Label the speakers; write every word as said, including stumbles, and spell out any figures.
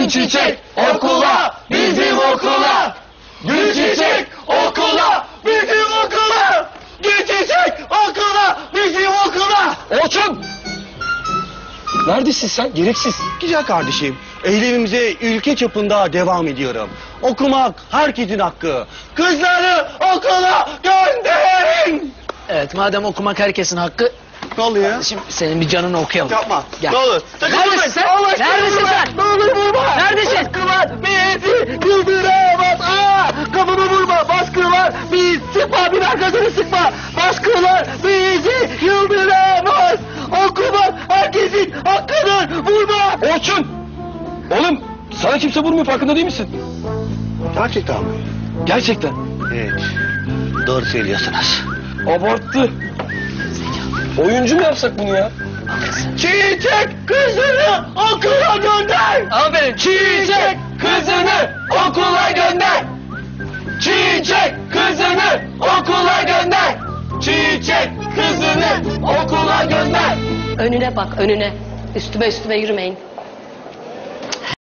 Speaker 1: Gül Çiçek okula, bizim okula. Gül Çiçek okula, bizim okula. Gül Çiçek okula, bizim okula. Orçun! Neredesin sen? Gereksiz.
Speaker 2: Güzel kardeşim, eylemimize ülke çapında devam ediyorum. Okumak herkesin hakkı. Kızları okula gönderin.
Speaker 3: Evet, madem okumak herkesin hakkı,
Speaker 2: Ne oluyor?
Speaker 3: şimdi senin bir canını okuyalım.
Speaker 2: Yapma.
Speaker 3: Gel.
Speaker 2: Ne olur. Sakın
Speaker 3: Neredesin
Speaker 2: vurmayın.
Speaker 3: sen?
Speaker 2: Allah aşkına
Speaker 3: Neredesin
Speaker 2: vurma.
Speaker 3: sen?
Speaker 2: Ne olur vurma.
Speaker 3: Neredesin?
Speaker 2: Baskı var. Bizi yıldıramaz. Aa, kafamı vurma. Baskı var. Biz sıkma. Bir arkasını sıkma. Baskılar bizi yıldıramaz. Okumak herkesin hakkıdır. Vurma.
Speaker 1: Orçun! Oğlum sana kimse vurmuyor, farkında değil misin?
Speaker 2: Gerçekten mi?
Speaker 1: Gerçekten.
Speaker 2: Evet. Doğru söylüyorsunuz.
Speaker 1: Abarttı. Oyuncu mu yapsak bunu ya?
Speaker 2: Çiçek kızını okula gönder.
Speaker 1: Aferin. Çiçek kızını okula gönder. Çiçek kızını okula gönder. Çiçek kızını okula gönder.
Speaker 4: Önüne bak, önüne. Üstüme üstüme yürümeyin.